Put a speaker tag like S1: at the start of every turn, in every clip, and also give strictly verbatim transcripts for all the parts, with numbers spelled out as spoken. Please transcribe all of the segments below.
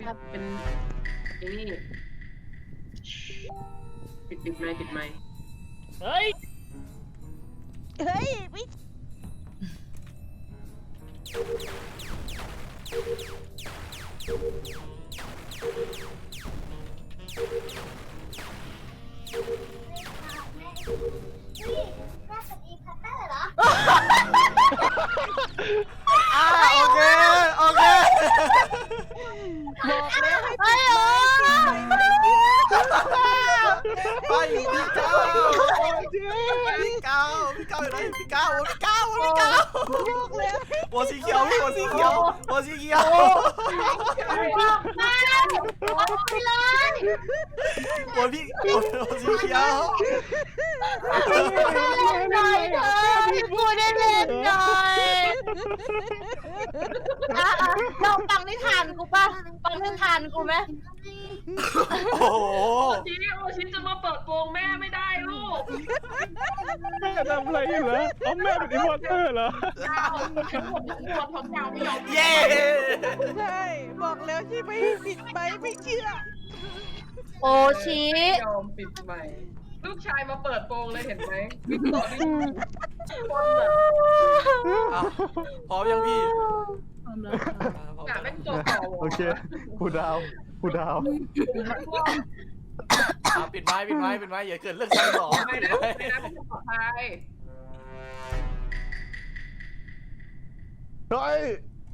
S1: ถ้าเป็นไอ้นี่ปิดปิดไมค์ปิดไมค์
S2: เฮ้ย
S3: เฮ้ยไม่
S4: อ่าโอเคโอเค
S3: บอกแล้วให้
S5: ไอ้
S3: ปิด
S5: โอ้
S3: ไมค์ไม่ได้
S4: ไปพี่เก้าพี่เก้าพี่เก้าอยู่ไหนพี่เก้าพี่เก้าพี่เก้า
S3: บอกแล้ว
S4: หัวสีเขียวพี่หัวสีเขียวหัวสีเขียว
S5: บอกมาบอกไปเลย
S4: หัวพี่หัวสีเขียว
S5: หน่อยเธอพี่พูดได้เล่นหน่อยอ่ะอ่ะลองฟังนิทานกูป่ะฟังนิทานกูไหม
S4: โอ้โห
S1: โอชิโอชิจะมาเปิดโปงแม่ไม่ได้ลูก
S2: แม่ทำอะไรอยู่เหรอเอาแม่เป็นอินวอร์เตอร์เหรอ
S1: ดาวฉันผมทั้งตัวท้องยาวไม่ยอม
S4: เย้
S3: ใช่บอกแล้วใช่ไหมให้ปิดไมค์ไม่เชื่อ
S5: โอชิ
S1: ไม่ยอมปิดไมค์ลูกชายมาเปิดโปงเลยเห็นไหมวิ่งต่อวิ่งคนแบบ
S4: อ่ะพร้อมยังพี่
S1: หนาเป็นตัวเก่า
S2: โอเคผู้ดาวผู้ดาว
S4: อ่ะปิดไม้ปิดไม้ปิดไม้อย่าเกิดเรื่องซ้ำสอง
S1: ไม่
S4: ปิด
S1: นะ
S4: ไม้
S1: ไม่นะเป็นปลอดภัย
S2: เฮ้ย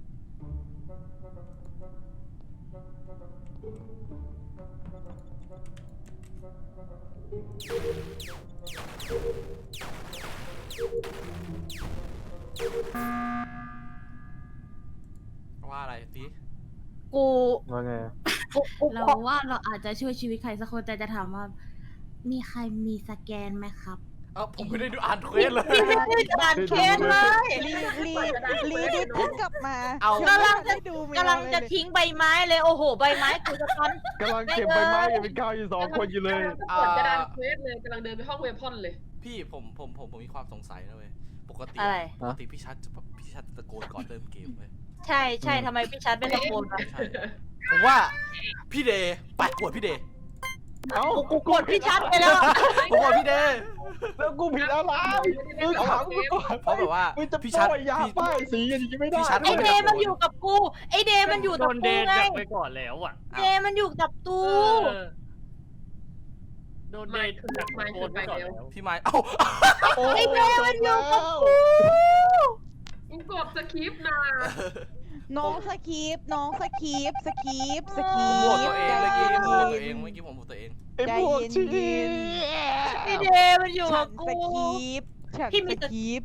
S4: ว่าอะไรสิ
S5: กู
S2: ว่าไง
S5: กูกู
S6: เราว่าเราอาจจะช่วยชีวิตใครสักคนแต่จะถามว่า มีใครมีสแกนไหมครับ
S4: เอ้าผมไม่ได้ดูอ่านเควสเลย
S5: ไม่ได้อ่านเคสเลย
S3: ลีลีลีดิเพิ่งกลับมา
S4: เอา
S5: กำลังจะ
S3: ไม่ดูไม่
S5: กำลังจะ
S3: เลย
S5: ทิ้งใบไม้เลยโอ้โหใบไม้กูจะทัน
S2: กำลังเก็บใบไม้อยู่เป็นก้าวอยู่สองคนอยู่เลย
S1: กำลังกดกระดานเควสเลยกำลังเดินไปห้องเวพอนเลย
S4: พี่ผมผมผมผมมีความสงสัยนะเว้ยปกติ
S5: อะไร
S4: ปกติพี่ชัดจะพี่ชัดจะตะโกนก่อนเริ่มเกมเว้ย
S5: ใช่ใช่ทำไมพี่ชัดไม่ตะโกนวะ
S4: ใช่ผมว่าพี่เดย์ไปกดพี่เดย์
S2: เอ้า
S5: กูกดพี่ชัดไปแล้ว
S4: ผมกดพี่เดย์
S2: แล้วกูผิดอะไรมึงถามกูก่อน
S4: เพราะแบบว่า
S2: มึงจะ
S4: พี่ชัด
S2: ป้ายยา
S4: พี่
S2: ป้ายสีอย่างนี้ไม่ได้
S4: พี่ชัด
S5: ไอเดย์มันอยู่กับกูไอเดย์มันอยู่
S7: โด
S5: กับ
S7: น
S5: กู
S7: เดน
S5: ไง
S7: ดักไปก่อนแล้วอ่ะ
S5: เดย์มันอยู่กับตู
S7: เออโดนเดนดักไปโกนไปก่อนแล้ว
S4: พี่ไม้เอ้า
S2: โอ้
S5: ไอเดย์มันอยู่กับ
S2: จบ
S5: กู
S1: มึงกดสคริปต์นะ
S3: น้องสคีปน้องสคีปสคีปสคี
S4: ผมโหวต
S3: ป
S4: ตัวเอง
S3: ใจ
S4: เมื่อกี้
S3: เย็
S4: ผมโหวตตัวเอง
S3: น
S4: เมื่อกี้ผมโหวตตัวเอง
S2: ไอ้พวกชี
S5: ไอเดย์มันอยู่
S3: ฉั
S5: กับ
S3: น
S5: กู
S3: สคีปฉัน
S5: พี่มี
S3: ส
S5: แต่
S3: คีป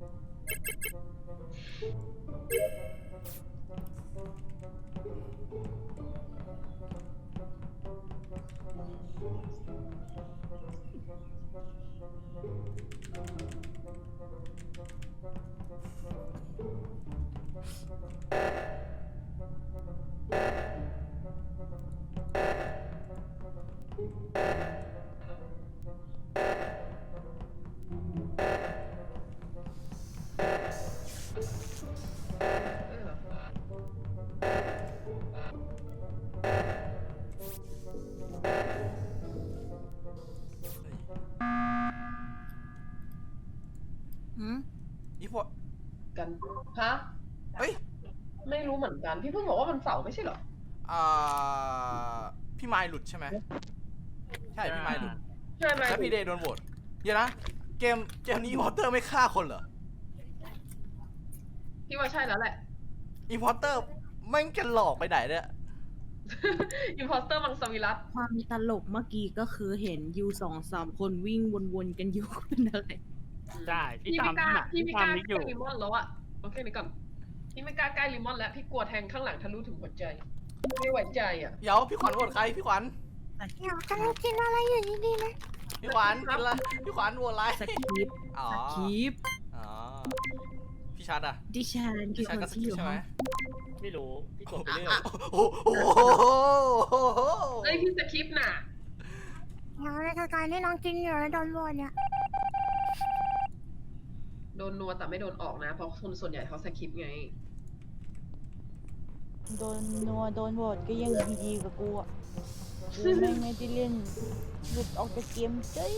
S6: หืม
S4: อีพวก
S1: กันฮะ
S4: เฮ้ย
S1: ไม่รู้เหมือนกัน พี่เพิ่งบอกว่ามันเสาร์ไม่ใช่เหรอ
S4: อ่าพี่ไม้หลุดใช่ไหมใช่พี่ไม้หลุด
S1: ใช่ไหม
S4: แล้วพี่เดย์โดนโหวตเดี๋ยวนะเกมเกมนี้อีพอร์เตอร์ไม่ฆ่าคนเหรอ
S1: พี่ว่าใช่แล้วแหละ
S4: อีพอร์เตอร์แม่งจะหลอกไปไหนเนี่ย
S1: อิมพอสเตอร์มังสวิรัต
S6: ความตลกเมื่อกี้ก็คือเห็นยูสองสามคนวิ่งวนๆกันอยู่ เป็นอะไร
S7: ใช่พี่
S1: พี่
S7: ตา
S1: ไม่
S7: ม
S1: กล้า
S7: พี่
S1: พี่
S7: หนัก
S1: ไม่
S7: พี่
S1: กล้า
S7: ตามนิกอยู่
S1: ใกล้ลิมอนแล้วอะโอเคนี่ก่อนพี่ไม่กล้าใกล้ลิมอนแล้วพี่กลัวแทงข้างหลังทะลุถึงหัวใจไม่ไหวใจอะ
S4: เดี๋ยวพี่ขวัญโหวตใครพี่ขวัญ
S5: เดี๋ยวกำลังกินอะไรอยู่ดีๆนะ
S4: พี่ขวัญกินละพี่ขวัญโหวตอะไร
S6: สคริปต์
S4: อ๋อ
S6: สคริปต์
S4: อ๋อพี่ชัดอ่ะ
S6: ดิฉันคื
S4: พี่
S6: อ
S4: ชั
S6: ค
S4: ด
S6: น
S4: ก็ส
S6: ที่
S4: กิ
S6: อ
S4: ป
S6: ยู่
S4: ใช่
S6: ห้
S4: ไหม
S6: อง
S7: ไม่รู้พี่กดไปเรื่อย
S4: โอ้โห
S1: เอ้ยพี่สคริปต์น่ะ
S5: เดี๋ยวในการที่น้องกินอยู่แล้วโดนโหวตเนี่ย
S1: โดนนัวแต่ไม่โดนออกนะ เพราะคนส่วนใหญ่เขาสคริปต์ไง
S3: โดนนัวโดนโหวตก็ยังดีๆกับกูอ่ะกูแม่งไม่ได้เล่นหลุดออกจากเกมเจ้ย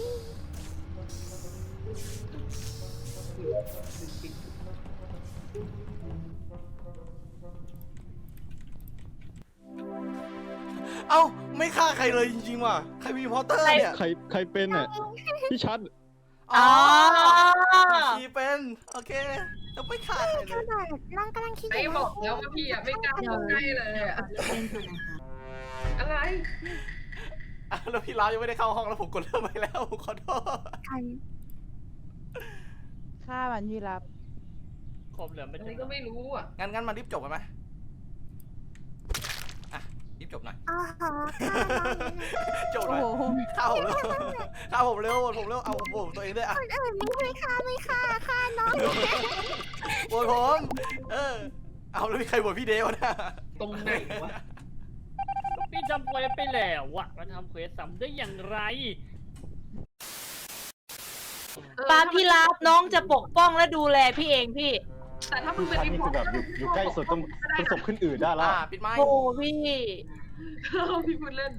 S4: เอ้าไม่ฆ่าใครเลยจริงๆว่ะใครมีพอเตอร์เนี่ย
S2: ใครใครเป็นอ่ะพี่ชัด
S4: อ๋อ
S5: อ๋อ
S4: พี่เป็นโอเคแล้วไม่ฆ่าใครเลย
S8: น้องกำลังคิดอ
S1: ไอ้
S8: ยู่
S1: บอกแล้วว่าพี่อะไม่กล้าเข้าใกล้เลยอะ
S6: เล่นก่อนนะคะ
S1: อะไร
S4: อ่ะแล้วพี่ร้าวยังไม่ได้เข้าห้องแล้วผมกดเริ่มไปแล้วผมขอโทษ
S8: ใคร
S3: ฆ่ามันพี่รับ
S7: คมเหลือไม่
S1: อัน
S7: ถึ
S1: นี้
S7: ง
S1: ก็ไม่รู้อ่ะ
S4: งั้นงั้นมารีบจบกันไหมอ่ะรีบจบหน่อย
S8: อ๋อค่ะ
S4: จบห
S3: โอ้
S4: น่อย
S3: โห
S4: ฆ่าผมเร็วฆ่าผมเร็วผมเร็วเอาผมตัวเองด้วยอ่ะ
S8: คนอื่นไม่ให้ค่าไม่ค่าค่าน้อง
S4: โหวตผมเออเอาแล้วมีใครโหวตพี่เดวนะ
S1: ตรงไหนวะ
S7: พี่ทำเควสไปแล้วอะมาทำเควสซ้ำได้อย่างไร
S5: ป้าพี่รับน้องจะปกป้องและดูแลพี่เองพี่
S1: แต่ถ้ามึ
S2: พี่
S1: งเป็น
S2: ชัด
S1: อี
S2: นี่
S1: พอ
S2: คือแบบอยู่อยู่ใกล้สุดต้องต้องศพขึ้นอื่นได้แล้ว
S4: อ่าปิดไม้
S5: โอ้พี่
S1: พี่พูดเล่น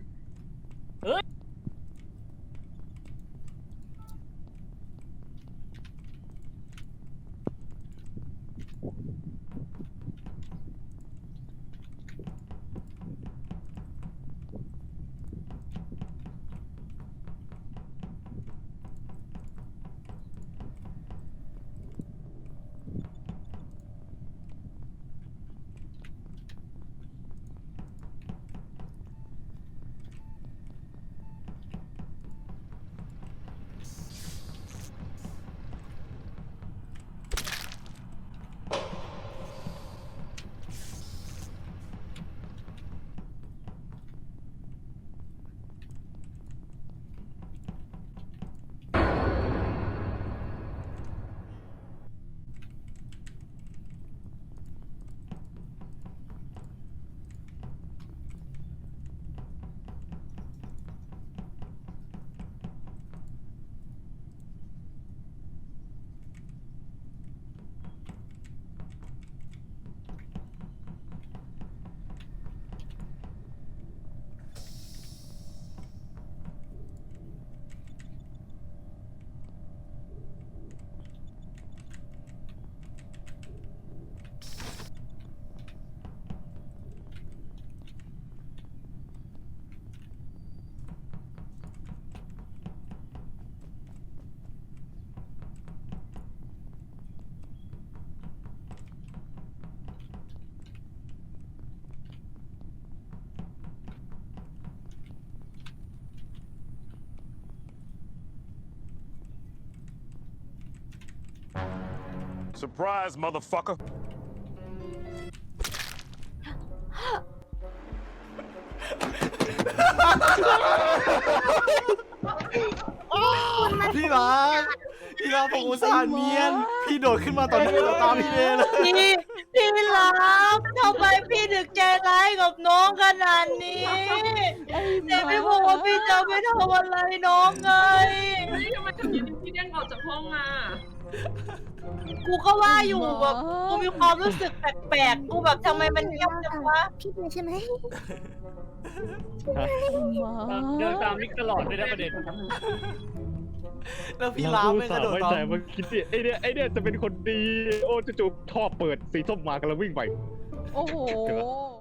S9: Surprise, motherfucker.
S4: พี่รักพี่รักผมอุตส่าห์เนียนพี่โดดขึ้นมาตอนนี้เราตามพี่เดเลย
S5: พี่พี่รับทำไมพี่ถึงใจร้ายกับน้องขนาดนี้
S3: ไอ้
S5: แต่ไม่บอกว่าพี่จะไม่ทำอะไรน้องไง
S1: เฮ้ยทำไมถึงอยู่ดีพี่เด้งออกจากห้องมา
S5: กูก็ว่าอยู่แบบกูมีความรู้สึกแปลกๆ กูแบบทำไมมันเงียบจังวะ
S8: พี่เป็นใช่ไหม
S7: เดินตามมิกตลอดเลยนะประเด็น
S4: แล้วพี่รักไม่กระโดด
S2: ไม่
S4: ตาม
S2: แต่มันคิดดิไอเนี่ยไอเนี่ยจะเป็นคนดี โอ้จู่ๆท่อเปิดสีส้มมากันแล้ววิ่งไป
S3: โอ้โห